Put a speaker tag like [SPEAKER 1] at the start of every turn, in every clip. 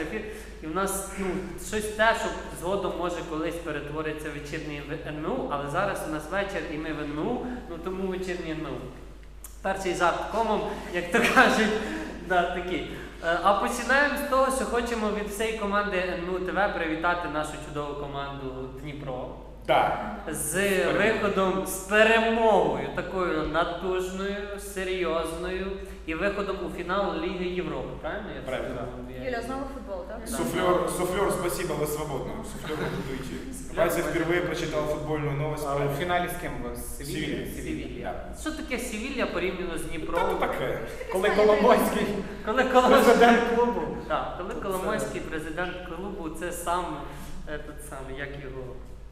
[SPEAKER 1] ефір, і в нас щось те, що згодом може колись перетвориться в вечірній НМУ, але зараз у нас вечір і ми в НМУ, тому вечірній НМУ. Перший жарт комом, як то кажуть, такий. А починаємо з того, що хочемо від всієї команди НМУ ТВ привітати нашу чудову команду Дніпро.
[SPEAKER 2] Так.
[SPEAKER 1] З виходом, з перемогою, такою натужною, серйозною, і виходом у фінал Ліги Європи, правильно?
[SPEAKER 2] Правильно.
[SPEAKER 3] Юля, знову футбол, так?
[SPEAKER 2] Суфлер, спасибо, вы свободны. Суфлер может уйти. Вася впервые прочитал футбольную новость.
[SPEAKER 4] А у фіналі з ким? З Севілля?
[SPEAKER 1] Севілля. Що таке Севілля порівняно з Дніпром?
[SPEAKER 2] Та таке.
[SPEAKER 4] Коли Коломойський
[SPEAKER 1] президент клубу. Так, коли Коломойський президент клубу, це сам, як його,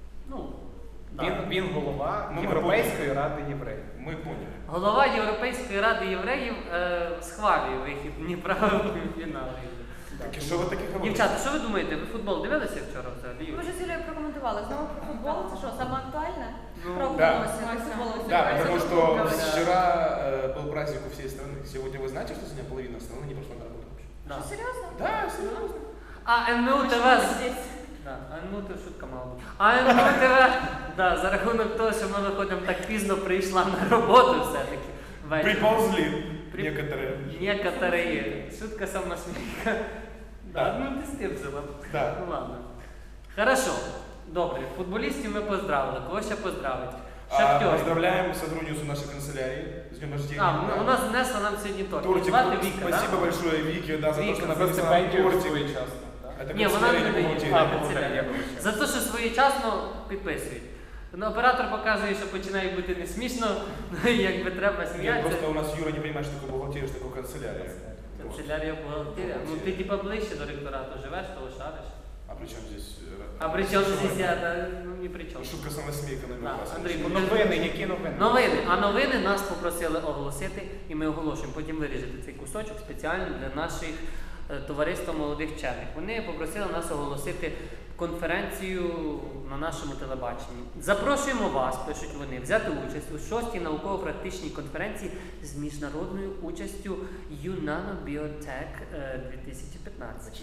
[SPEAKER 4] Він голова Європейської ради євреїв.
[SPEAKER 2] Ми поняли.
[SPEAKER 1] Голова Європейської ради євреїв схвалює вихід Дніпра у фінал.
[SPEAKER 2] Так і що ви таке говорите?
[SPEAKER 1] Дівчата, що ви думаєте? Ви футбол дивилися вчора взагалі?
[SPEAKER 3] Ми вже з Юлією прокоментували. Знову про футбол, це що, саме актуальне?
[SPEAKER 2] Да. Да, потому
[SPEAKER 3] Футбол.
[SPEAKER 2] что вчера был праздник у всей страны. Сегодня вы знаете, что сегодня половина страны не пошла на работу?
[SPEAKER 1] Да.
[SPEAKER 3] Що, серйозно?
[SPEAKER 2] Да, серьезно.
[SPEAKER 1] А НМУ ТВ... Да, НМУ ТВ шутка мала бути. А НМУ ТВ, за рахунок того, що ми виходимо так пізно, прийшла на роботу все-таки.
[SPEAKER 2] Приползли некоторые.
[SPEAKER 1] Некоторые. Шутка самосмейка.
[SPEAKER 2] Да.
[SPEAKER 1] Ти з тим жила.
[SPEAKER 2] Да.
[SPEAKER 1] Ну ладно. Хорошо. Добре. Футболістів ми поздравили. Кого ще поздравити? Шахтер.
[SPEAKER 2] Поздравляем сотрудницу нашей канцелярии с днем рождения.
[SPEAKER 1] У нас внесла нам сьогодні торт.
[SPEAKER 2] Тортик.
[SPEAKER 1] Звати Віка,
[SPEAKER 2] Спасибо большое Вике, за то, что
[SPEAKER 1] Вика,
[SPEAKER 4] За
[SPEAKER 2] написала
[SPEAKER 4] стипендію
[SPEAKER 2] тортик.
[SPEAKER 4] своєчасно.
[SPEAKER 2] Это
[SPEAKER 1] Ні, вона не
[SPEAKER 2] канцелярия
[SPEAKER 1] дає.
[SPEAKER 2] бухгалтерии.
[SPEAKER 1] Канцелярія. За те, що своєчасно підписують. Оператор показує, що починає бути не смішно, якби треба
[SPEAKER 2] Нет,
[SPEAKER 1] сміятися.
[SPEAKER 2] просто у нас Юра не понимает, что такое бухгалтерия, что такое канцелярия.
[SPEAKER 1] Канцелярія бухгалтерія. Ну ти типа ближче до ректорату живеш, того шариш.
[SPEAKER 2] А при чем здесь?
[SPEAKER 1] А при чому здесь я? Ні при чому.
[SPEAKER 2] Шутка самосмейка номер
[SPEAKER 1] Да,
[SPEAKER 2] 2.
[SPEAKER 1] Андрій,
[SPEAKER 4] Новини, які новини?
[SPEAKER 1] Новини. А новини нас попросили оголосити, і ми оголошуємо. Потім виріжете цей кусочок спеціально для наших товариства молодих вчених. Вони попросили нас оголосити конференцію на нашому телебаченні. Запрошуємо вас, пишуть вони, взяти участь у 6-й науково-практичній конференції з міжнародною участю UNANO Biotech 2015.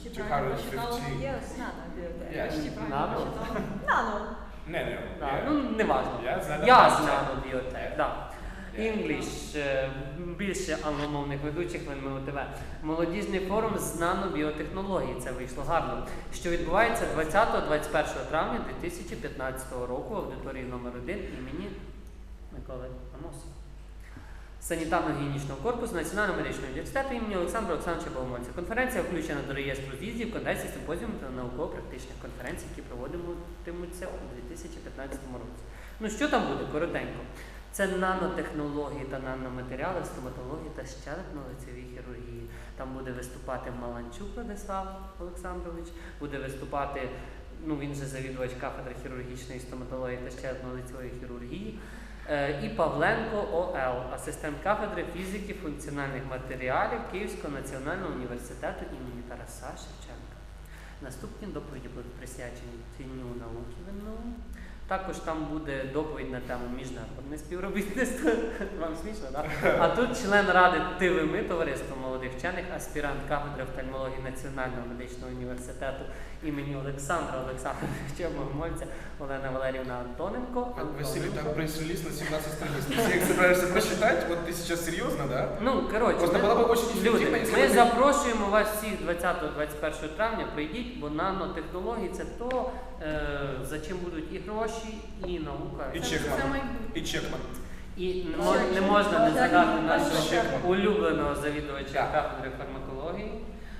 [SPEAKER 1] Нано?
[SPEAKER 3] Нано.
[SPEAKER 2] Не.
[SPEAKER 1] Не важно.
[SPEAKER 2] Я знаю.
[SPEAKER 1] Я з Nano Biotech, так. English, більше англомовних ведучих в НМУ ТВ. Молодіжний форум з нанобіотехнологій, це вийшло гарно, що відбувається 20-21 травня 2015 року в аудиторії номер 1 імені Миколи Амосова. Санітарно-гігієнічного корпусу Національного медичного університету імені Олександра Олександровича Богомольця. Конференція включена до реєстру з'їздів, конвенцій, симпозіумів та науково-практичних конференцій, які проводитимуться у 2015 році. Ну що там буде? Коротенько. Це нанотехнології та наноматеріали, стоматології та щелепно-лицевій хірургії. Там буде виступати Маланчук Владислав Олександрович, буде виступати, він же завідувач кафедри хірургічної стоматології та щелепно-лицевої хірургії, і Павленко ОЛ, асистент кафедри фізики функціональних матеріалів Київського національного університету імені Тараса Шевченка. Наступні доповіді будуть присвячені Дню науки в НМУ. Також там буде доповідь на тему міжнародне співробітництво. Вам смішно, так? А тут член ради ТВМИ, товариство молодих вчених, аспірант кафедри офтальмології Національного медичного університету імені Олександра Олександровича Богомольця Олена Валеріївна Антоненко.
[SPEAKER 2] Василий, там пресс-релиз на 17 страниц. Ты все их собираешься прочитать? Вот ты сейчас серьезно, да? Просто было бы очень эффективно, если
[SPEAKER 1] ми
[SPEAKER 2] бы...
[SPEAKER 1] запрошуємо вас всіх 20-21 травня, прийдіть, бо нанотехнології – це то, за чим будуть і гроші, і наука.
[SPEAKER 2] И Чекман. И Чекман.
[SPEAKER 1] І не можна не згадати нашого улюбленого завідувача кафедри фармакології.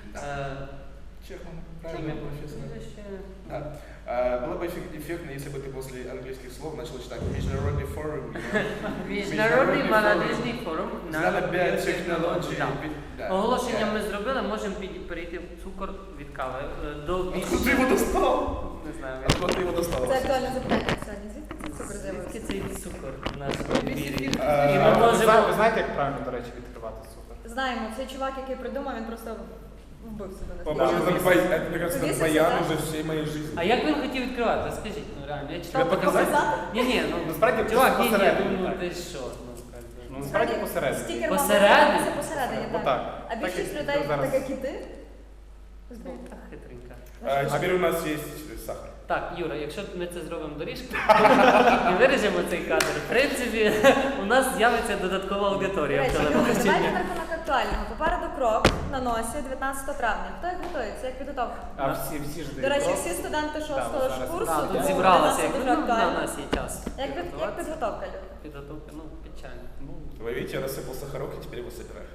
[SPEAKER 2] Чекман, правильно, профессор. Да. Было бы эффектно, если бы ты после английских слов начал читать Международный форум.
[SPEAKER 1] Міжнародний молодіжний форум
[SPEAKER 2] нанобіотехнології.
[SPEAKER 1] Оголошення ми зробили, можемо перейти в цукор від кави.
[SPEAKER 2] Откуда ты его достал?
[SPEAKER 1] Не знаю.
[SPEAKER 2] Откуда ты его достал?
[SPEAKER 3] Це актуальне запитання сьогодні. Звідки цей цукор
[SPEAKER 1] Звідки
[SPEAKER 3] з'явився?
[SPEAKER 1] цей цукор в нашому ефірі?
[SPEAKER 4] Ви знаєте, як правильно, до речі, відкривати цукор?
[SPEAKER 3] Знаємо, цей чувак, який придумав, він просто вбив себе на
[SPEAKER 2] По-моему, это, мне кажется,
[SPEAKER 3] Повесился,
[SPEAKER 2] баян
[SPEAKER 3] да?
[SPEAKER 2] уже всей моей жизни.
[SPEAKER 1] А як він хотів відкривати? Скажіть, реально, я читав.
[SPEAKER 3] Показати?
[SPEAKER 1] Ні,
[SPEAKER 4] Насправді
[SPEAKER 1] чувак, ні,
[SPEAKER 4] посередині,
[SPEAKER 1] ну
[SPEAKER 4] так.
[SPEAKER 1] ти що?
[SPEAKER 4] Насправді посередині.
[SPEAKER 3] Стікер
[SPEAKER 1] Посередині?
[SPEAKER 3] посередині, так.
[SPEAKER 4] Отак.
[SPEAKER 3] А
[SPEAKER 4] Так,
[SPEAKER 3] більшість
[SPEAKER 4] як
[SPEAKER 3] людей,
[SPEAKER 4] зараз.
[SPEAKER 3] так як і ти, Здається.
[SPEAKER 1] Так, хитренька.
[SPEAKER 2] Теперь у нас есть сахар.
[SPEAKER 1] Так, Юра, якщо ми це зробимо доріжку і виріжемо цей кадр, в принципі, у нас з'явиться додаткова
[SPEAKER 3] До
[SPEAKER 1] аудиторія в
[SPEAKER 3] речі, люди, давайте
[SPEAKER 1] телебаченні.
[SPEAKER 3] на рахунок актуального. Попереду крок на носі 19 травня. Хто як готується? Як підготовка?
[SPEAKER 4] А всі ж
[SPEAKER 3] До речі,
[SPEAKER 4] дають.
[SPEAKER 3] всі студенти 6-го
[SPEAKER 4] Да,
[SPEAKER 3] ж
[SPEAKER 4] зараз.
[SPEAKER 3] курсу,
[SPEAKER 1] Так, тут
[SPEAKER 3] тому
[SPEAKER 1] зібралася,
[SPEAKER 3] для
[SPEAKER 1] як
[SPEAKER 3] нас це дуже
[SPEAKER 1] на
[SPEAKER 3] актуально.
[SPEAKER 1] нас є час.
[SPEAKER 3] Як
[SPEAKER 1] підготуватися.
[SPEAKER 3] підготовка, люди?
[SPEAKER 1] Підготовка, ну, печально.
[SPEAKER 2] Вы видите, я рассыпал сахарок, и теперь его собираю.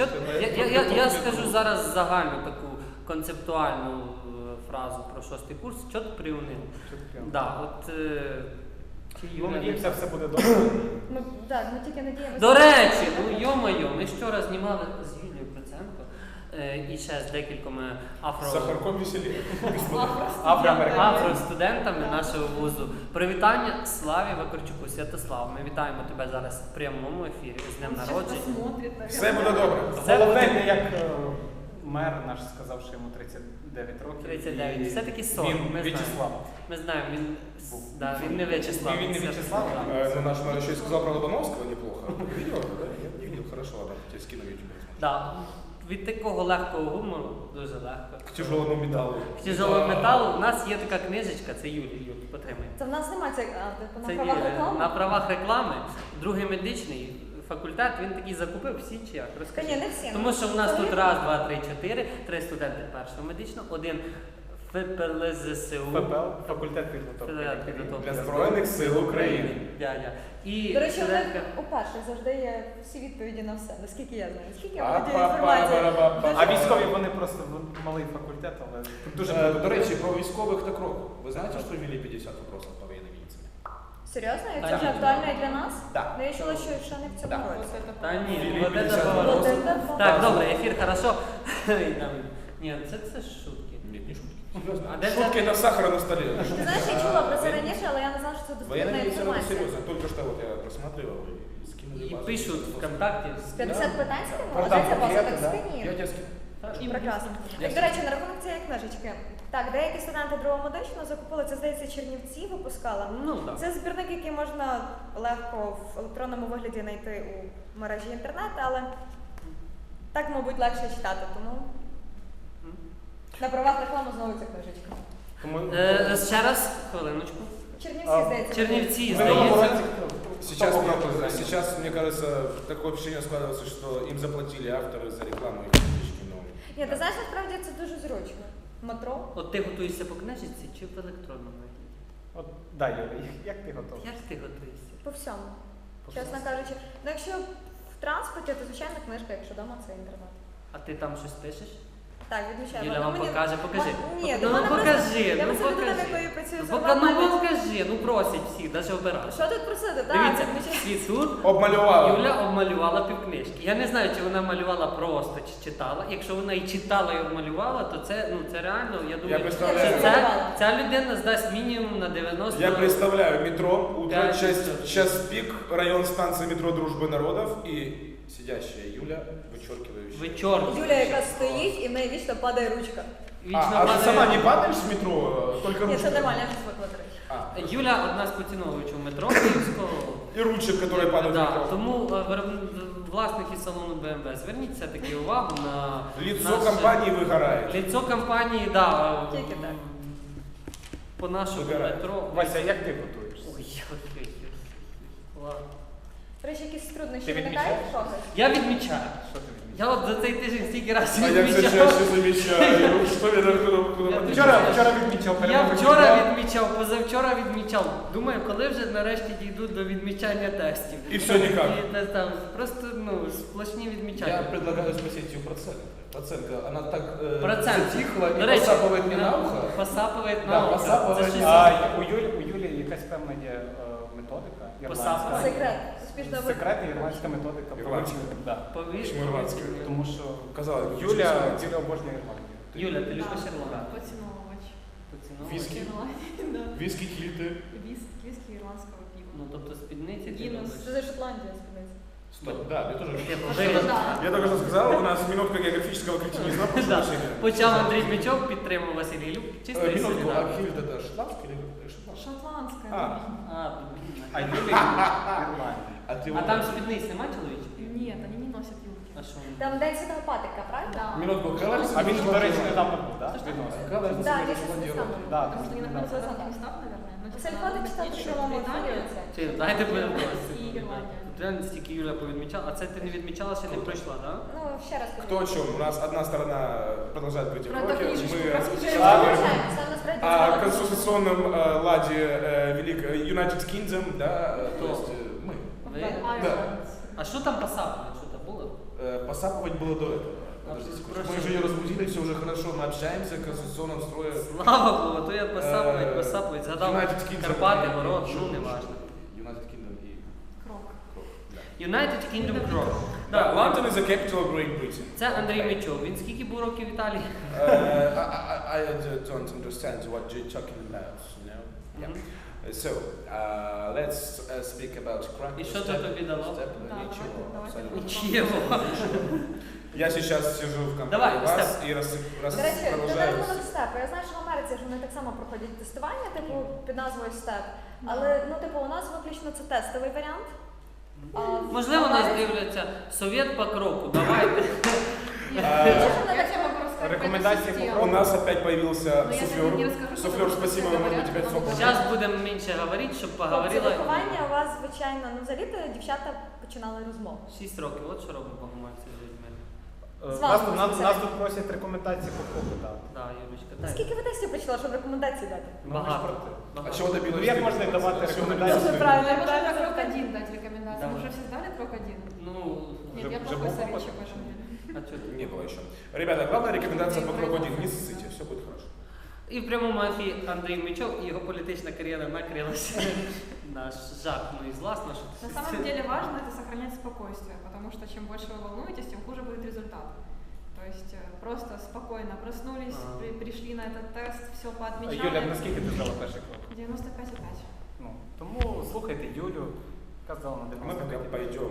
[SPEAKER 1] Я скажу зараз загальну таку концептуальну фразу про 6-й курс. Чо ти приунив? Да, от, чи
[SPEAKER 4] Ну,
[SPEAKER 1] Юля-
[SPEAKER 4] надіємося, все буде добре.
[SPEAKER 3] Ми тільки надіємося.
[SPEAKER 1] До речі, ну йо-моє, ми вчора знімали з Юлією Проценко і ще з декількома
[SPEAKER 2] С сахарком веселее.
[SPEAKER 1] афростудентами нашого вузу. Привітання Славі Вакарчуку. Святослав, ми вітаємо тебе зараз в прямому ефірі з днем народження.
[SPEAKER 2] Все буде добре.
[SPEAKER 4] Головне, як мер наш сказав, що йому 39 років.
[SPEAKER 1] 39. Все-таки 40.
[SPEAKER 4] Він
[SPEAKER 1] ми знаємо.
[SPEAKER 4] В'ячеслав.
[SPEAKER 1] Ми знаємо, він не В'ячеслав.
[SPEAKER 4] Він не В'ячеслав,
[SPEAKER 1] Да.
[SPEAKER 2] Ну, наш мэр еще и сказал про Лобановского неплохо. Видел это, да? Я не видел. Хорошо, ладно, тебе скину в YouTube.
[SPEAKER 1] Да. Від такого легкого гумору, дуже легко.
[SPEAKER 2] К тяжелому металлу.
[SPEAKER 1] К тяжелому металу у нас є така книжечка, це Юлі, потримай.
[SPEAKER 3] Це в нас немає типу, на
[SPEAKER 1] Це
[SPEAKER 3] правах
[SPEAKER 1] Юлія.
[SPEAKER 3] реклами?
[SPEAKER 1] На правах реклами. Другий медичний факультет, він такий закупив всі чи як?
[SPEAKER 3] Та
[SPEAKER 1] Розкажи.
[SPEAKER 3] ні, не всі.
[SPEAKER 1] Тому що в нас
[SPEAKER 3] Це
[SPEAKER 1] тут
[SPEAKER 3] є.
[SPEAKER 1] раз, два, три, чотири, 3 студенти першого медичного, один ФПЛЗСУ.
[SPEAKER 4] ФПЛ, факультет підготовки.
[SPEAKER 2] Для Збройних сил України.
[SPEAKER 1] Дядя. І
[SPEAKER 3] До речі, у
[SPEAKER 1] студентка.
[SPEAKER 3] них у перших завжди є всі відповіді на все, наскільки я знаю. Наскільки я
[SPEAKER 2] А,
[SPEAKER 3] володію
[SPEAKER 2] па, па,
[SPEAKER 3] інформацією.
[SPEAKER 2] ба, ба, ба.
[SPEAKER 4] А військові вони просто малий факультет, але тут дуже багато.
[SPEAKER 2] До речі, про військових та кроку. Ви знаєте, що ввели 50 вопросов по воєнній медицині?
[SPEAKER 3] Серйозно? І
[SPEAKER 1] Та
[SPEAKER 3] це вже
[SPEAKER 1] ні.
[SPEAKER 3] актуально і для нас?
[SPEAKER 2] Да.
[SPEAKER 3] Ну, я чула, що ще не в цьому
[SPEAKER 2] Да.
[SPEAKER 3] році.
[SPEAKER 1] Та ні,
[SPEAKER 2] Філіп,
[SPEAKER 1] вот это
[SPEAKER 2] 50
[SPEAKER 1] поворот.
[SPEAKER 3] Вот это поворот.
[SPEAKER 1] Так, добре, ефір хорошо. І там, ні, це ж шутки.
[SPEAKER 2] Нет, не шутки. Серьезно.
[SPEAKER 1] А де
[SPEAKER 2] Шутки
[SPEAKER 1] це-
[SPEAKER 2] это сахара на столе.
[SPEAKER 3] Ти знаєш, я чула про це раніше, але я не знала, що це
[SPEAKER 2] Военная
[SPEAKER 3] доступна
[SPEAKER 2] медицина это
[SPEAKER 3] інформація.
[SPEAKER 2] серьезно. Только что вот я просматривал и скинули
[SPEAKER 1] І
[SPEAKER 2] базу.
[SPEAKER 1] пишуть ВКонтакті.
[SPEAKER 3] 50 питань скинула?
[SPEAKER 4] Про
[SPEAKER 3] А де
[SPEAKER 4] там
[SPEAKER 3] ця база?
[SPEAKER 4] конкретно,
[SPEAKER 3] Так
[SPEAKER 4] да?
[SPEAKER 3] скині.
[SPEAKER 2] Я тебя скину.
[SPEAKER 3] Прекрасно. Так, до речі, на рахунок цієї книжечки. Так, деякі студенти другого медичного закупили, це, здається, Чернівці випускала.
[SPEAKER 1] Ну, так.
[SPEAKER 3] Це збірник, який можна легко в електронному вигляді знайти у мережі інтернет, але так, мабуть, легше читати, тому на правах реклами знову ця книжечка.
[SPEAKER 4] Тому
[SPEAKER 1] Ще раз, хвилиночку.
[SPEAKER 3] Чернівці, здається.
[SPEAKER 1] Чернівці,
[SPEAKER 4] в минулому
[SPEAKER 1] здається.
[SPEAKER 4] році
[SPEAKER 2] Сейчас,
[SPEAKER 4] хто
[SPEAKER 2] мне,
[SPEAKER 4] був зайнятий?
[SPEAKER 2] сейчас, мне кажется, такое впечатление складывается, что им заплатили авторы за рекламу их книжки, но...
[SPEAKER 3] Ні, ти знаєш, насправді це дуже зручно. Метро.
[SPEAKER 1] От ти готуєшся по книжці чи в електронному вигляді?
[SPEAKER 4] От, да, Юля, як ти готовий?
[SPEAKER 1] Як ти готуєшся?
[SPEAKER 3] По всьому. Чесно кажучи. Ну, якщо в транспорті, то звичайно книжка, якщо вдома, це інтернет.
[SPEAKER 1] А ти там щось пишеш?
[SPEAKER 3] Так, відмічаю.
[SPEAKER 1] Юля
[SPEAKER 3] Ну,
[SPEAKER 1] вам
[SPEAKER 3] мені-
[SPEAKER 1] покаже, покажи.
[SPEAKER 3] Ні,
[SPEAKER 1] Ну,
[SPEAKER 3] до мене
[SPEAKER 1] покажи,
[SPEAKER 3] просто... Я
[SPEAKER 1] ну,
[SPEAKER 3] просто людина,
[SPEAKER 1] покажи.
[SPEAKER 3] якою працюю
[SPEAKER 1] Ну,
[SPEAKER 3] з
[SPEAKER 1] пока, ну
[SPEAKER 3] онлайн.
[SPEAKER 1] покажи, ну просять всіх, навіть оператор.
[SPEAKER 3] Що тут просити? Так,
[SPEAKER 1] Дивіться,
[SPEAKER 3] відмічаю.
[SPEAKER 1] і тут
[SPEAKER 2] Обмалювала.
[SPEAKER 1] Юля обмалювала півкнижки. Я не знаю, чи вона малювала просто, чи читала. Якщо вона і читала, і обмалювала, то це реально, я думаю,
[SPEAKER 2] представляю.
[SPEAKER 1] що ця людина здасть мінімум на 90.
[SPEAKER 2] Я представляю метро, утро,
[SPEAKER 1] Пять
[SPEAKER 2] час
[SPEAKER 1] часов.
[SPEAKER 2] пик, район станции метро Дружбы народов и сидящая Юля, вычеркивающая.
[SPEAKER 1] Вичорт.
[SPEAKER 3] Юля, яка стоїть, і в неї вічно падає ручка.
[SPEAKER 2] А ты сама не падаешь в метро, только
[SPEAKER 3] Ні,
[SPEAKER 2] ручка?
[SPEAKER 3] це нормально, я вже звикла, до речі.
[SPEAKER 2] А,
[SPEAKER 1] Юля одна з поціновувачів метро Київського.
[SPEAKER 2] и ручек, которые падают в
[SPEAKER 1] Да,
[SPEAKER 2] метро.
[SPEAKER 1] тому власники салону BMW, зверніть все-таки увагу на
[SPEAKER 2] Лицо
[SPEAKER 1] наше-
[SPEAKER 2] компании выгорает.
[SPEAKER 1] Лицо компанії, да,
[SPEAKER 3] Тільки так.
[SPEAKER 1] по нашому
[SPEAKER 2] Вигорає.
[SPEAKER 1] метро.
[SPEAKER 4] Вася, як ти готуєшся?
[SPEAKER 1] Ой. Ладно.
[SPEAKER 3] До речі, якісь труднощі
[SPEAKER 4] Ти
[SPEAKER 3] виникають
[SPEAKER 4] відмічаєш?
[SPEAKER 3] в когось?
[SPEAKER 1] Я відмічаю.
[SPEAKER 4] Що ти відмічаєш?
[SPEAKER 1] Я от за цей тиждень стільки разів
[SPEAKER 2] А я все
[SPEAKER 1] відмічав.
[SPEAKER 2] чаще замечаю, что я
[SPEAKER 1] Я
[SPEAKER 4] Вчора відмічав
[SPEAKER 1] Я
[SPEAKER 4] перемогу
[SPEAKER 1] вчора
[SPEAKER 4] Дніпра.
[SPEAKER 1] відмічав, позавчора відмічав. Думаю, коли вже нарешті дійдуть до відмічання тестів.
[SPEAKER 2] І все ніяк.
[SPEAKER 1] І там просто сплошні відмічання.
[SPEAKER 2] Я предлагаю спросить ее процент. Процентка, она так
[SPEAKER 1] Процент.
[SPEAKER 2] затихла
[SPEAKER 1] До
[SPEAKER 2] и
[SPEAKER 1] речі,
[SPEAKER 2] посапывает мне на ухо.
[SPEAKER 1] Посапує
[SPEAKER 2] Да,
[SPEAKER 1] на ухо.
[SPEAKER 2] посапує.
[SPEAKER 1] Це щось-
[SPEAKER 4] А у Юлі якась певна є методика.
[SPEAKER 1] Посапка.
[SPEAKER 4] ірландська.
[SPEAKER 3] Секрет. Успішно
[SPEAKER 4] Секретна ірландська методика.
[SPEAKER 2] Ірландська.
[SPEAKER 4] Да.
[SPEAKER 1] Повіж,
[SPEAKER 2] Чому ірландська?
[SPEAKER 4] Тому що
[SPEAKER 2] Казалось бы,
[SPEAKER 4] Юля
[SPEAKER 2] почему
[SPEAKER 4] обожнює Ірландію.
[SPEAKER 1] Юля, ти любиш Ірландію?
[SPEAKER 5] Поціновувач.
[SPEAKER 1] Поціновувач?
[SPEAKER 2] Віскі?
[SPEAKER 5] Да.
[SPEAKER 2] Виски, кильты.
[SPEAKER 5] Віскі ірландського пива.
[SPEAKER 1] Ну, тобто спідниці ти
[SPEAKER 5] Гіннес.
[SPEAKER 1] любиш.
[SPEAKER 3] Це за Шотландія, спиниться.
[SPEAKER 2] Стоп, да, я тоже.
[SPEAKER 1] Типу,
[SPEAKER 2] Я только что сказал, у нас минутка географического кретинизма. прошу
[SPEAKER 1] Да.
[SPEAKER 2] прощения.
[SPEAKER 1] Почав Андрій Дмичов, підтримав Василій Люб. Чисто і
[SPEAKER 2] Минутку, а
[SPEAKER 1] солідарно.
[SPEAKER 2] кильт это шотландский или шотландский?
[SPEAKER 5] Шотландська.
[SPEAKER 2] А.
[SPEAKER 1] А, блін.
[SPEAKER 4] А Юлі Ірландія.
[SPEAKER 2] А А ты
[SPEAKER 1] А
[SPEAKER 2] вот-
[SPEAKER 1] там спідниць нема чоловічих?
[SPEAKER 5] Нет, они не носят юбки.
[SPEAKER 1] А що?
[SPEAKER 3] Там День Святого Патрика, правильно?
[SPEAKER 5] Да.
[SPEAKER 2] Минутку, какая разница?
[SPEAKER 4] А він, до речі, недавно був, так?
[SPEAKER 5] Что, что?
[SPEAKER 2] Какая разница
[SPEAKER 3] Да,
[SPEAKER 2] между
[SPEAKER 3] я сейчас не
[SPEAKER 2] Шотландией и
[SPEAKER 3] стану.
[SPEAKER 2] Ирландией?
[SPEAKER 4] Да,
[SPEAKER 5] Потому что они находятся в
[SPEAKER 3] Наверное.
[SPEAKER 5] разных местах, наверное. Но,
[SPEAKER 3] Це Альфа читати в цілому філіюється.
[SPEAKER 1] Чи, дайте будемо
[SPEAKER 5] І Ірландія.
[SPEAKER 1] Тут реально стільки Юля повідмічала. А це ти не відмічала, ще не пройшла, так?
[SPEAKER 3] Ну, ще раз
[SPEAKER 2] Кто о чем? У нас одна сторона продолжает быть в
[SPEAKER 5] Про
[SPEAKER 2] роке,
[SPEAKER 5] книжечку,
[SPEAKER 2] мы
[SPEAKER 5] про
[SPEAKER 2] сейчас
[SPEAKER 5] книжечку.
[SPEAKER 2] говорим
[SPEAKER 3] Це насправді
[SPEAKER 2] о
[SPEAKER 3] цікаво.
[SPEAKER 2] конституционном ладе United Kingdom, да,
[SPEAKER 1] Кто?
[SPEAKER 2] то есть мы.
[SPEAKER 1] Ви?
[SPEAKER 5] Ireland.
[SPEAKER 1] А що там посапано? Що там було?
[SPEAKER 2] Посапывать было до этого. Подождите,
[SPEAKER 1] Просто-
[SPEAKER 2] мы же ее разбудили, все уже хорошо, мы общаемся в конституционном строе.
[SPEAKER 1] Слава Богу, то я посапують, згадав
[SPEAKER 2] United Kingdom
[SPEAKER 1] Карпати,
[SPEAKER 2] и-
[SPEAKER 1] город,
[SPEAKER 2] и-
[SPEAKER 1] ну не важно.
[SPEAKER 2] United Kingdom и
[SPEAKER 5] Крок.
[SPEAKER 2] да.
[SPEAKER 1] United Kingdom Cross.
[SPEAKER 2] Да, London is the capital of Great Britain.
[SPEAKER 1] Це Андрій Мічов. Він скільки був років в Італії?
[SPEAKER 2] I don't understand what you're talking about, you know?
[SPEAKER 1] Мгм.
[SPEAKER 2] So, let's speak about crime.
[SPEAKER 1] І що це тобі дало?
[SPEAKER 5] Да,
[SPEAKER 2] Ничего,
[SPEAKER 5] давайте.
[SPEAKER 2] абсолютно.
[SPEAKER 1] Нічого.
[SPEAKER 2] Я сейчас сижу в компании
[SPEAKER 1] Давай,
[SPEAKER 2] вас
[SPEAKER 1] Степ.
[SPEAKER 2] и
[SPEAKER 3] До речі, на
[SPEAKER 2] продолжаю.
[SPEAKER 3] рахунок степу. Я знаю, що в Америці ж вони так само проходять тестування, типу, під назвою степ. Але, ну, типу, у нас виключно це тестовий варіант. А в
[SPEAKER 1] Можливо, нас
[SPEAKER 3] Америці-
[SPEAKER 1] дивляться совєт по кроку. Давайте.
[SPEAKER 5] Я тебе могу рассказать про эту
[SPEAKER 4] Рекомендации
[SPEAKER 5] систему.
[SPEAKER 2] У нас опять появился
[SPEAKER 5] Но я
[SPEAKER 2] суфлер.
[SPEAKER 5] тебе не расскажу,
[SPEAKER 2] Суфлер,
[SPEAKER 5] потому что
[SPEAKER 2] спасибо,
[SPEAKER 5] все
[SPEAKER 2] вы можете
[SPEAKER 5] говорят,
[SPEAKER 2] теперь
[SPEAKER 5] что
[SPEAKER 2] свободно.
[SPEAKER 1] Зараз будемо менше говорити, щоб
[SPEAKER 3] Хлопці,
[SPEAKER 1] поговорила.
[SPEAKER 3] виховання у вас, звичайно, ну, взагалі-то дівчата починали розмову.
[SPEAKER 1] 6 років, от що робить Богомольця з людьми.
[SPEAKER 3] З вами
[SPEAKER 4] Нас
[SPEAKER 3] безпосередньо.
[SPEAKER 4] тут просять рекомендації по кроку дати.
[SPEAKER 1] Да, Юлічка, дай.
[SPEAKER 3] Скільки ви тестів прийшла, щоб рекомендації дати?
[SPEAKER 1] Багато.
[SPEAKER 2] А
[SPEAKER 1] Багато.
[SPEAKER 2] чего добилась?
[SPEAKER 4] Ну, як
[SPEAKER 2] ты?
[SPEAKER 4] можна давати
[SPEAKER 2] Чего
[SPEAKER 4] рекомендації?
[SPEAKER 2] добилась?
[SPEAKER 3] Дуже правильно.
[SPEAKER 5] Можно
[SPEAKER 3] правильно
[SPEAKER 5] на крок
[SPEAKER 3] запитання.
[SPEAKER 5] 1 дать рекомендации. Мы
[SPEAKER 1] Давай.
[SPEAKER 5] уже все сдали крок 1?
[SPEAKER 1] Ну,
[SPEAKER 5] Нет,
[SPEAKER 4] Вже-
[SPEAKER 5] я
[SPEAKER 4] вже
[SPEAKER 5] плохой
[SPEAKER 4] був
[SPEAKER 5] советчик
[SPEAKER 4] опит?
[SPEAKER 5] в этом деле.
[SPEAKER 1] а чого ти?
[SPEAKER 2] Не было еще. Ребята, главная рекомендация по кругу один. Не ссыте, все будет хорошо.
[SPEAKER 1] І в прямому ефірі Андрій Мічов і його політична кар'єра накрилася на жах, ну і зласно, що
[SPEAKER 5] На самом деле важно это сохранять спокойствие, потому что чем больше вы волнуетесь, тем хуже будет результат. То есть просто спокойно проснулись,
[SPEAKER 1] Ага.
[SPEAKER 5] пришли на этот тест, все
[SPEAKER 4] Юля,
[SPEAKER 5] поотмечали.
[SPEAKER 4] наскільки ти здала перший крок?
[SPEAKER 5] 95,5.
[SPEAKER 4] Ну, тому слухайте Юлю, яка здала на
[SPEAKER 2] А мы пока
[SPEAKER 4] 95.
[SPEAKER 2] пойдем.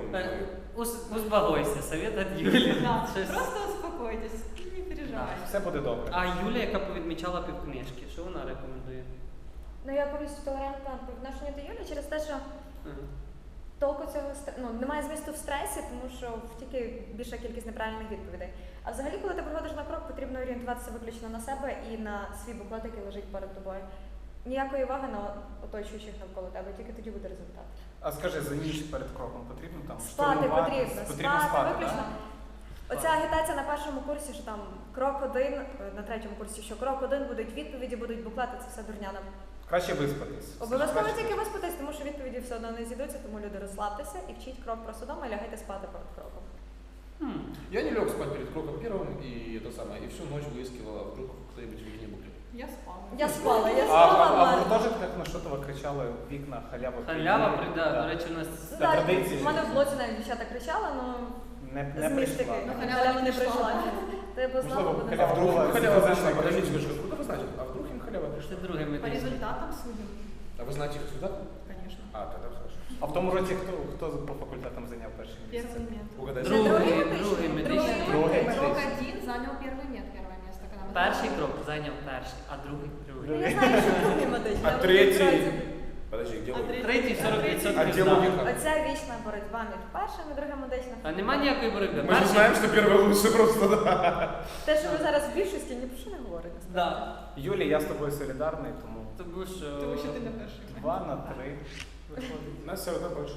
[SPEAKER 1] Успокойся, совет від Юлі.
[SPEAKER 5] Да,
[SPEAKER 1] Щось-
[SPEAKER 5] просто успокойтесь, не переживайте.
[SPEAKER 4] Все буде добре.
[SPEAKER 1] А Юля, яка повідмічала півкнижки, що вона рекомендує?
[SPEAKER 3] Ну, я повністю толерантна по відношенню до Юлі через те, що
[SPEAKER 1] Ага.
[SPEAKER 3] толку цього ну, немає змісту в стресі, тому що тільки більша кількість неправильних відповідей. А взагалі, коли ти приходиш на крок, потрібно орієнтуватися виключно на себе і на свій буклет, який лежить перед тобою. Ніякої уваги на оточуючих навколо тебе, тільки тоді буде результат.
[SPEAKER 4] А скажи, за ніч перед кроком потрібно там
[SPEAKER 3] Спати
[SPEAKER 4] штурмувати?
[SPEAKER 3] потрібно, спати виключно.
[SPEAKER 4] да?
[SPEAKER 3] Оця агітація на першому курсі, що там крок 1, на третьому курсі, що крок 1, будуть відповіді, будуть буклети, це все дурня нам.
[SPEAKER 4] Краще виспатись.
[SPEAKER 3] Обов'язково
[SPEAKER 4] Краще
[SPEAKER 3] тільки виспатись, тому що відповіді все одно не зійдуться, тому люди розслабтеся і вчіть крок просто вдома і лягайте спати перед кроком.
[SPEAKER 2] Я не лег спать перед кроком первым, и это самое, и всю ночь выискивала, вдруг кто-нибудь в вікні буклет.
[SPEAKER 5] Я спала.
[SPEAKER 3] Я спала, я
[SPEAKER 4] А
[SPEAKER 3] спала,
[SPEAKER 4] в
[SPEAKER 3] Марк.
[SPEAKER 4] гуртожитках на Шотова кричали вікна, халява.
[SPEAKER 1] Халява,
[SPEAKER 4] прийде.
[SPEAKER 1] да, до речі, у нас
[SPEAKER 3] Ну,
[SPEAKER 4] Це
[SPEAKER 3] так,
[SPEAKER 4] традиції.
[SPEAKER 3] в мене в блоці навіть дівчата кричали, але
[SPEAKER 4] Не
[SPEAKER 3] з містики.
[SPEAKER 4] прийшла.
[SPEAKER 5] Ну,
[SPEAKER 3] Халява не прийшла. Ти б знала,
[SPEAKER 4] Можливо,
[SPEAKER 3] буде
[SPEAKER 2] А
[SPEAKER 4] халява
[SPEAKER 2] вдруг
[SPEAKER 4] була
[SPEAKER 2] им халява пришла?
[SPEAKER 4] зі
[SPEAKER 2] Подождите,
[SPEAKER 4] мною.
[SPEAKER 2] девушка, откуда вы знаете? А вдруг им халява
[SPEAKER 1] це
[SPEAKER 2] пришла?
[SPEAKER 1] друге
[SPEAKER 5] По
[SPEAKER 1] медичне.
[SPEAKER 5] результатам судим,
[SPEAKER 2] А вы знаете их результат?
[SPEAKER 5] конечно.
[SPEAKER 2] А, тогда хорошо.
[SPEAKER 4] А в тому році хто по факультетам зайняв перше місце?
[SPEAKER 5] Первый мед.
[SPEAKER 2] Угадайте.
[SPEAKER 1] Другий медичний.
[SPEAKER 4] Другий.
[SPEAKER 5] Крок 1 занял первый мед, первое место. Когда мы
[SPEAKER 1] Перший
[SPEAKER 5] сдавали.
[SPEAKER 1] крок зайняв перший, а другий
[SPEAKER 3] Ну,
[SPEAKER 1] другий.
[SPEAKER 3] я знаю, що другий медичний.
[SPEAKER 2] А
[SPEAKER 3] але
[SPEAKER 2] третий?
[SPEAKER 3] насправді
[SPEAKER 2] Подожди, где
[SPEAKER 5] А
[SPEAKER 2] вы?
[SPEAKER 5] третий?
[SPEAKER 1] Третій 40%
[SPEAKER 2] А где
[SPEAKER 1] знав.
[SPEAKER 2] логика?
[SPEAKER 3] Оця вічна боротьба між першим і другим медичним.
[SPEAKER 1] А нема ніякої боротьби.
[SPEAKER 2] Мы же знаем, что первый лучше просто, да.
[SPEAKER 3] Те, що ви зараз в більшості, ні про що не говорите.
[SPEAKER 1] Да.
[SPEAKER 4] Юлі, я з тобою солідарний, тому
[SPEAKER 1] Тому що...
[SPEAKER 5] Тому що ти на перший мед.
[SPEAKER 4] 2 на 3 виходить.
[SPEAKER 2] Нас все равно больше.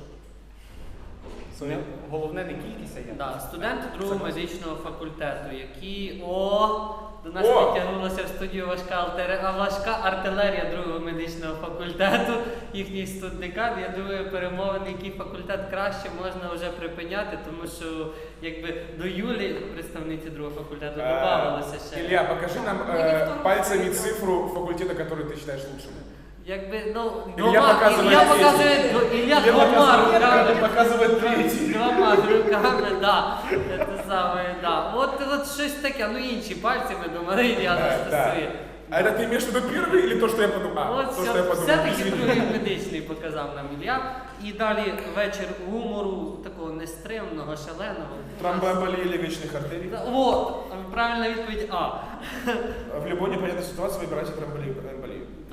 [SPEAKER 4] Головне не кількість, а якість.
[SPEAKER 1] Да, студенти другого медичного факультету, які до нас
[SPEAKER 2] О!
[SPEAKER 1] підтягнулася в студію важка артилерія другого медичного факультету, їхній студдекан. Я думаю, перемовини, який факультет краще, можна вже припиняти, тому що якби до Юлі, представниці другого факультету, додавалося ще.
[SPEAKER 2] Илья, покажи нам пальцами цифру факультета, который ты считаешь лучшим.
[SPEAKER 1] Якби, ну,
[SPEAKER 2] Ілля показує
[SPEAKER 1] Ілля
[SPEAKER 2] третій.
[SPEAKER 1] показує, Ілля двома руками.
[SPEAKER 2] показывает третий.
[SPEAKER 1] Двома руками, да. Це саме, да. От щось таке, ну інші пальці, ми думали, Ілля
[SPEAKER 2] Да.
[SPEAKER 1] стосує.
[SPEAKER 2] А это ты имеешь в виду первый или то, что я подумал?
[SPEAKER 1] От
[SPEAKER 2] То, что я подумал.
[SPEAKER 1] все-таки
[SPEAKER 2] Извини.
[SPEAKER 1] другий медичний показав нам Ілля. І далі вечір гумору, такого нестримного, шаленого.
[SPEAKER 2] Тромбоэмболия легочных артерий.
[SPEAKER 1] От, правильна відповідь А.
[SPEAKER 2] В любой непонятной ситуации выбирайте тромбоэмболию.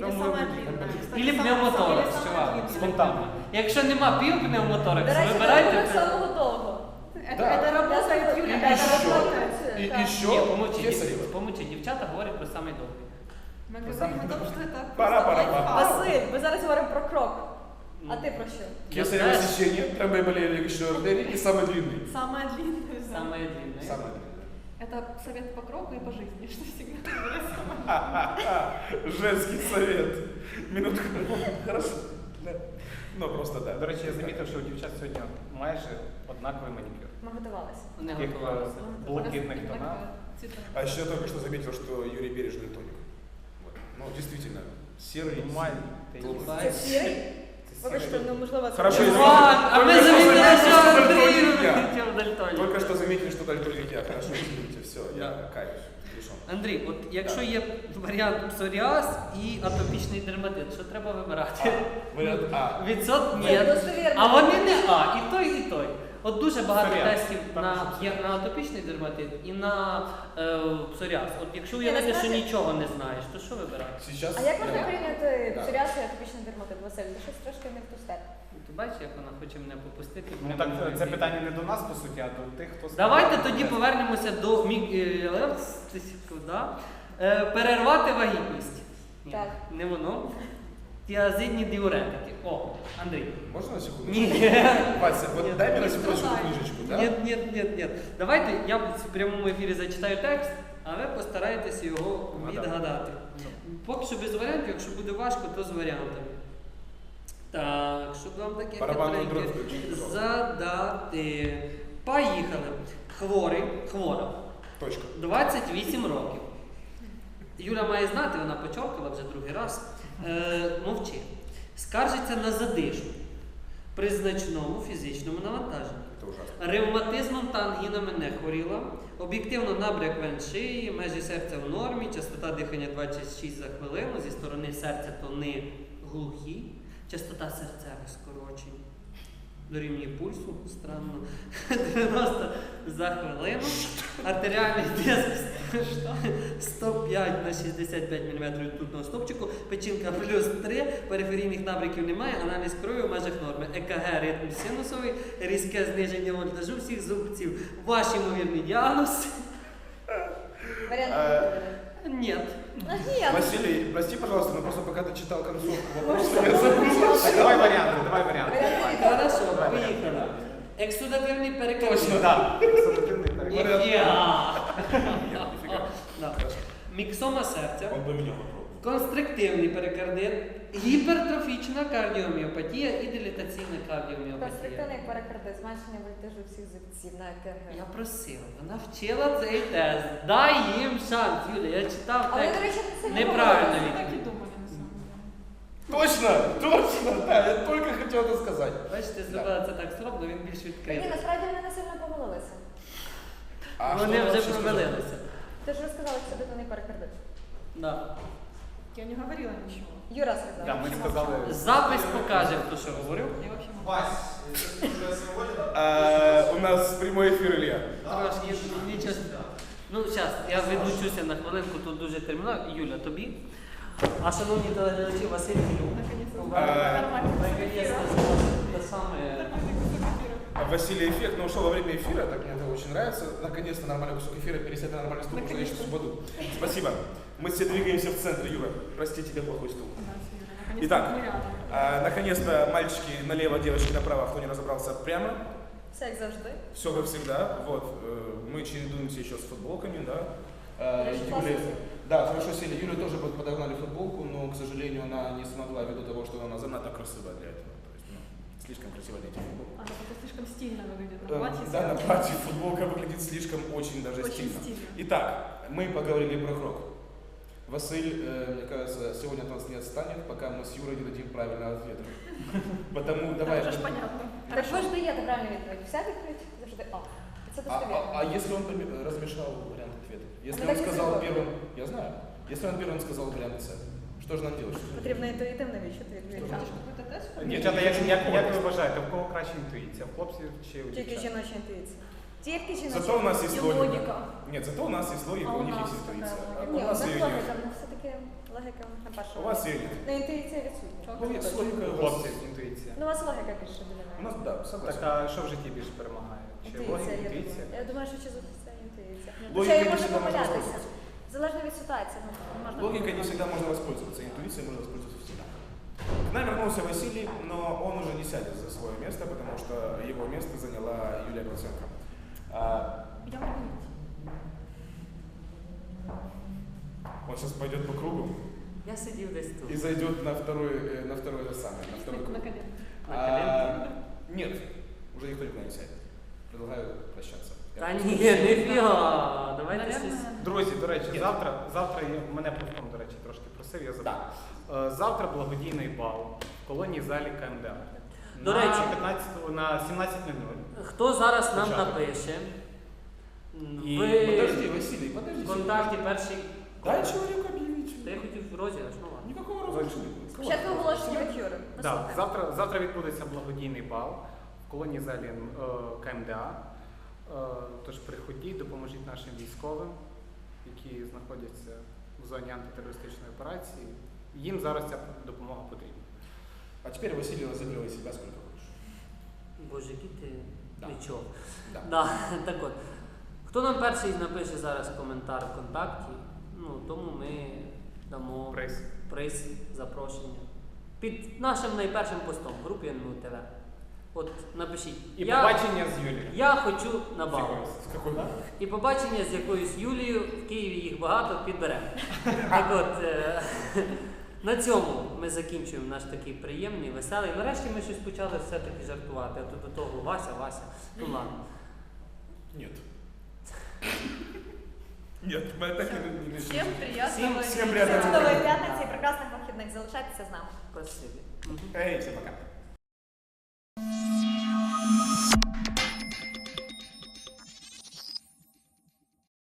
[SPEAKER 5] Или самая длинная. Кстати,
[SPEAKER 1] Ілі
[SPEAKER 5] самая-
[SPEAKER 1] пневмоторакс,
[SPEAKER 5] или самая
[SPEAKER 1] чувак.
[SPEAKER 5] длинная.
[SPEAKER 4] Спонтанно.
[SPEAKER 1] Якщо нема
[SPEAKER 3] До
[SPEAKER 1] півпневмотораксу,
[SPEAKER 3] речі,
[SPEAKER 1] вибирайте.
[SPEAKER 3] так самого довго.
[SPEAKER 2] Да.
[SPEAKER 5] Это работает, Юля,
[SPEAKER 3] Да,
[SPEAKER 2] И
[SPEAKER 5] это
[SPEAKER 2] еще,
[SPEAKER 5] работает.
[SPEAKER 2] и
[SPEAKER 3] Так.
[SPEAKER 2] еще
[SPEAKER 1] Ні, помовчи,
[SPEAKER 2] кесарево.
[SPEAKER 1] помовчи, дівчата говорять про самий довгий.
[SPEAKER 5] Мы говорим о том, что это
[SPEAKER 2] Пора,
[SPEAKER 5] просто
[SPEAKER 2] пора.
[SPEAKER 5] лайфхак.
[SPEAKER 3] Василь, ми зараз говоримо про крок. А ти про що?
[SPEAKER 2] Кесарево сечение, тромбоэмболия легочной артерии и самый длинный.
[SPEAKER 5] Самая длинная. да.
[SPEAKER 1] Саме длинне.
[SPEAKER 2] Самый длинный.
[SPEAKER 5] Это совет по кроку и по жизни, что всегда выбирай самое.
[SPEAKER 2] Женский совет. Минутку. Хорошо. Да. Ну, просто да.
[SPEAKER 4] До речі, я замітив, що у дівчат сьогодні майже однаковий манікюр.
[SPEAKER 3] Ми готувалися.
[SPEAKER 1] Не
[SPEAKER 4] Таких
[SPEAKER 1] готувалися.
[SPEAKER 4] блакитних тонах.
[SPEAKER 2] А еще я только что заметил, что Юрий Береж дальтоник. Вот. Ну, действительно, серый.
[SPEAKER 4] Нормальний.
[SPEAKER 2] Голубой.
[SPEAKER 3] Це сірий? Вибачте, ну можливо, це...
[SPEAKER 2] Хорошо,
[SPEAKER 3] Чувак!
[SPEAKER 2] извините.
[SPEAKER 1] А ми
[SPEAKER 2] Только что
[SPEAKER 1] замітили,
[SPEAKER 2] заметили,
[SPEAKER 1] що
[SPEAKER 2] что
[SPEAKER 1] Андрій
[SPEAKER 2] дальтоник я.
[SPEAKER 1] вилетів дальтоник.
[SPEAKER 2] Только что заметили, что дальтоник я. Хорошо, извините, все, я каюсь. Решен.
[SPEAKER 1] Андрій, от якщо є варіант псоріаз і атопічний дерматит, що треба вибирати?
[SPEAKER 2] Вариант А.
[SPEAKER 1] Відсот ні.
[SPEAKER 3] Це достовірно.
[SPEAKER 1] А вони не А, і той, і той. От дуже багато
[SPEAKER 4] Псоріаз.
[SPEAKER 1] тестів
[SPEAKER 4] Там що
[SPEAKER 1] є на атопічний дерматит і на псоріаз. От якщо
[SPEAKER 3] Ні,
[SPEAKER 1] уявити, що
[SPEAKER 3] насправді-
[SPEAKER 1] нічого не знаєш, то що вибирати?
[SPEAKER 2] Сейчас.
[SPEAKER 3] А як можна
[SPEAKER 2] я-
[SPEAKER 3] порівняти
[SPEAKER 2] Да.
[SPEAKER 3] псоріаз і атопічний дерматит, Василь? Ти щось трошки не в ту степ.
[SPEAKER 1] Ти бачиш, як вона хоче мене попустити?
[SPEAKER 4] Ну
[SPEAKER 1] в
[SPEAKER 4] так
[SPEAKER 1] прямому
[SPEAKER 4] це
[SPEAKER 1] ефірі?
[SPEAKER 4] питання не до нас, по суті, а до тих, хто
[SPEAKER 1] Давайте тоді повернемося до перервати вагітність. Ні,
[SPEAKER 3] Так.
[SPEAKER 1] не воно. Тіазидні діуретики. О, Андрій.
[SPEAKER 2] Можно на секунду?
[SPEAKER 1] Ні.
[SPEAKER 2] Вася, вот
[SPEAKER 1] Нет.
[SPEAKER 2] дай мне на
[SPEAKER 5] Не
[SPEAKER 2] секундочку
[SPEAKER 5] страдай.
[SPEAKER 2] книжечку, да?
[SPEAKER 1] Ні. Давайте я в прямому ефірі зачитаю текст, а ви постарайтеся його відгадати. Поки що без варіантів, якщо буде важко, то з варіантами. Так, щоб вам таке
[SPEAKER 2] Барабанну
[SPEAKER 1] хитреньке
[SPEAKER 2] дробь включіть, будь ласка.
[SPEAKER 1] задати. Поїхали. Хвора,
[SPEAKER 2] Точка.
[SPEAKER 1] 28 років. Юля має знати, вона почоркала вже другий раз. Мовчи. Скаржиться на задишку при значному фізичному навантаженні.
[SPEAKER 2] Это ужасно.
[SPEAKER 1] Ревматизмом та ангінами не хворіла. Об'єктивно набряк вен шиї, межі серця в нормі, частота дихання 26 за хвилину, зі сторони серця тони глухі, частота серцевих скорочень. Дорівнює пульсу, странно, 90 за хвилину, артеріальний тиск 105 на 65 мм ртутного стовпчику, печінка плюс 3, периферійних набряків немає, аналіз крові в межах норми, ЕКГ ритм синусовий, різке зниження вольтажу всіх зубців. Ваш ймовірний діагноз?
[SPEAKER 3] Варіант
[SPEAKER 1] Ні.
[SPEAKER 3] Ні.
[SPEAKER 2] Василий, прости, пожалуйста, но просто пока ты читал концовку вопроса, я забыл.
[SPEAKER 4] Так, давай варіанти, давай варіанти.
[SPEAKER 1] Хорошо, поїхали. Ексудативний переказ.
[SPEAKER 2] Точно.
[SPEAKER 4] Так, суб'єктивний переклад.
[SPEAKER 1] Ніфіга.
[SPEAKER 2] Нет, нифига.
[SPEAKER 1] Да. Міксома серця.
[SPEAKER 2] Он бы меня попробовал.
[SPEAKER 1] Констриктивний перикардит, гіпертрофічна кардіоміопатія і дилатаційна кардіоміопатія.
[SPEAKER 3] Констриктивний перекардит, зменшення вольтажу всіх зубців на ЕКГ.
[SPEAKER 1] Я просив, вона вчила цей тест. Дай їм шанс, Юля, я читав
[SPEAKER 3] Але, до
[SPEAKER 1] текст.
[SPEAKER 3] речі, це не
[SPEAKER 1] Неправильно
[SPEAKER 5] Мы
[SPEAKER 1] відповідь.
[SPEAKER 5] так и думали, на самом деле.
[SPEAKER 2] Точно, точно, да, я только хотел это сказать.
[SPEAKER 1] Бачите, зробила це так зроблено, він більш
[SPEAKER 3] Ні,
[SPEAKER 1] відкритий.
[SPEAKER 3] насправді вони не сильно помилилися.
[SPEAKER 2] А
[SPEAKER 1] Вони
[SPEAKER 2] что
[SPEAKER 1] вже
[SPEAKER 2] вообще
[SPEAKER 1] помилилися.
[SPEAKER 3] Ти ж розказала, що констриктивний перекардит.
[SPEAKER 1] Да.
[SPEAKER 5] Я не говорила ничего.
[SPEAKER 3] Юра сказала.
[SPEAKER 4] Да, ми сказали.
[SPEAKER 1] Запис покаже, хто що говорив.
[SPEAKER 5] Я вообще молчу.
[SPEAKER 2] У нас прямой эфир, Илья.
[SPEAKER 1] Трошки, нічого. Ну, зараз, я відлучуся на хвилинку, тут дуже терміново. Юля, тобі. А шановні телеглядачі, Василь Філюк.
[SPEAKER 5] Наконец-то.
[SPEAKER 3] Нормально.
[SPEAKER 1] Наконец-то, те саме.
[SPEAKER 5] Нормальный кусок эфира.
[SPEAKER 2] Василий Эффект, но ушел во время эфира, так мне это очень нравится. Наконец-то нормальный кусок эфира пересядет на нормальный стул, потому что я сейчас упаду. Спасибо. Мы все двигаемся в центр, Юра. Прости, тебе плохой стул.
[SPEAKER 5] Да, Юля, наконец-то
[SPEAKER 2] Итак,
[SPEAKER 5] мы рядом.
[SPEAKER 2] наконец-то мальчики налево, девочки направо, кто не разобрался прямо.
[SPEAKER 3] Все як завжди.
[SPEAKER 2] Все как всегда. Вот, мы чередуемся еще с футболками, да.
[SPEAKER 3] Хорошо,
[SPEAKER 2] Юля,
[SPEAKER 3] классно.
[SPEAKER 2] да, хорошо сели. Юлю тоже подогнали футболку, но, к сожалению, она не смогла ввиду того, что она занадто красивая для этого. То есть, слишком красиво для этих футболок.
[SPEAKER 5] Она просто слишком стильно выглядит на платье.
[SPEAKER 2] Да, на платье футболка выглядит слишком очень даже
[SPEAKER 5] Очень
[SPEAKER 2] стильно.
[SPEAKER 5] стильно.
[SPEAKER 2] Итак, мы поговорили про крок. Василь, мне кажется, сегодня от нас не отстанет, пока мы с Юрой не дадим правильного ответа. Потому давай.
[SPEAKER 5] Это уже ж понятно.
[SPEAKER 3] Так ви ж даєте правильну відповідь. Вся відповідь завжди А. Це достовірно.
[SPEAKER 2] А если он размешал вариант ответа? Если
[SPEAKER 3] Ну,
[SPEAKER 2] он
[SPEAKER 3] так и
[SPEAKER 2] сказал
[SPEAKER 3] сделай.
[SPEAKER 2] первым, я знаю. Если он первым сказал вариант С, что же нам делать?
[SPEAKER 3] Потрібно інтуїтивно відчути відповідь.
[SPEAKER 5] Там же какой-то тест?
[SPEAKER 2] Ні,
[SPEAKER 4] Дівчата, як ви вважаєте, в кого краща інтуїція? В хлопців чи у
[SPEAKER 3] Тільки
[SPEAKER 4] дівчат?
[SPEAKER 3] жіноча інтуїція. Тільки жіночі.
[SPEAKER 2] Зато у нас есть
[SPEAKER 3] І
[SPEAKER 2] логика.
[SPEAKER 3] логіка.
[SPEAKER 2] Нет, зато у нас есть логика,
[SPEAKER 5] А
[SPEAKER 2] у
[SPEAKER 5] у
[SPEAKER 2] них
[SPEAKER 5] нас
[SPEAKER 2] есть интуиция.
[SPEAKER 5] какая
[SPEAKER 2] А
[SPEAKER 3] Ні,
[SPEAKER 2] у
[SPEAKER 3] у
[SPEAKER 2] нас
[SPEAKER 3] нас
[SPEAKER 2] ее
[SPEAKER 3] логіка,
[SPEAKER 2] нет.
[SPEAKER 3] ну все-таки логіка на першому.
[SPEAKER 2] У вас ее нет.
[SPEAKER 3] Ну, інтуїція відсутня.
[SPEAKER 2] Ну, есть логика, у вас
[SPEAKER 4] Хлопці, интуиция.
[SPEAKER 3] Ну, у вас логіка більше
[SPEAKER 2] У
[SPEAKER 3] домінує.
[SPEAKER 2] нас, да, согласен.
[SPEAKER 4] Так, а що в житті більше перемагає? Чи логіка,
[SPEAKER 3] Інтуїція, я
[SPEAKER 4] інтуїція?
[SPEAKER 3] думаю. Я думаю, що через це інтуїція.
[SPEAKER 2] Логіка
[SPEAKER 3] Хоча я
[SPEAKER 2] не
[SPEAKER 3] можу
[SPEAKER 2] всегда можно
[SPEAKER 3] помилятися.
[SPEAKER 2] воспользоваться.
[SPEAKER 3] Залежно від ситуації. Ну, можна
[SPEAKER 2] Логикой не
[SPEAKER 3] помилятися.
[SPEAKER 2] всегда можно воспользоваться, интуицией можно воспользоваться всегда. К нам вернулся Василий, но он уже не сядет за свое место, потому что его место заняла Юлия Проценко.
[SPEAKER 5] Идем работать.
[SPEAKER 2] Он сейчас пойдет по кругу
[SPEAKER 1] Я сидів десь тут.
[SPEAKER 2] и зайдет на второй же самый, на второй круг.
[SPEAKER 5] На колено.
[SPEAKER 1] На коленке?
[SPEAKER 2] Нет, уже никто никуда не сядет. Предлагаю прощаться.
[SPEAKER 1] Та ні, ніфіга. Давайте щось.
[SPEAKER 5] Наверное,
[SPEAKER 4] Друзі, до речі,
[SPEAKER 2] Ні.
[SPEAKER 4] завтра мене Плевком, до речі, трошки просив, я забув. Завтра благодійний бал в колонії залі КМДА.
[SPEAKER 1] До
[SPEAKER 4] на
[SPEAKER 1] речі.
[SPEAKER 4] 15, на 17:00.
[SPEAKER 1] Хто зараз нам
[SPEAKER 4] Початок.
[SPEAKER 1] напише?
[SPEAKER 4] І
[SPEAKER 2] Подожди,
[SPEAKER 1] Ви
[SPEAKER 2] Василий, подожди.
[SPEAKER 1] в контакті перший.
[SPEAKER 2] Дай человеку объявить.
[SPEAKER 1] Та я хотів розіграш, ну ладно.
[SPEAKER 2] Никакого розыгрыша не будет.
[SPEAKER 3] Спочатку оголошення від Юри. Ми
[SPEAKER 4] Да,
[SPEAKER 3] слухаємо.
[SPEAKER 4] завтра відбудеться благодійний бал в колонії залі КМДА. Тож приходіть, допоможіть нашим військовим, які знаходяться в зоні антитерористичної операції. Їм зараз ця допомога потрібна.
[SPEAKER 2] А теперь Василий разыгрывай себя сколько хочешь.
[SPEAKER 1] Боже, який ти
[SPEAKER 2] Да.
[SPEAKER 1] нічого.
[SPEAKER 2] Да.
[SPEAKER 1] Да, так от. Хто нам перший напише зараз коментар в контакті, ну, тому ми дамо приз, запрошення. Під нашим найпершим постом в групі НМУ ТВ. От напишіть.
[SPEAKER 4] І побачення з Юлією.
[SPEAKER 1] Я хочу на бал.
[SPEAKER 2] С какой?
[SPEAKER 1] І побачення з якоюсь Юлією, в Києві їх багато, підберемо. Так от, на цьому ми закінчуємо наш такий приємний, веселий. Нарешті ми щось почали все-таки жартувати, а то до того Вася. Ну ладно.
[SPEAKER 2] Нет. Нет, мы так не
[SPEAKER 5] всем приятного
[SPEAKER 2] Всем
[SPEAKER 5] вечера.
[SPEAKER 2] приятного
[SPEAKER 3] Чудової п'ятниці і прекрасних вихідних. Залишайтеся з нами.
[SPEAKER 1] Спасибі.
[SPEAKER 2] Эй, всем пока.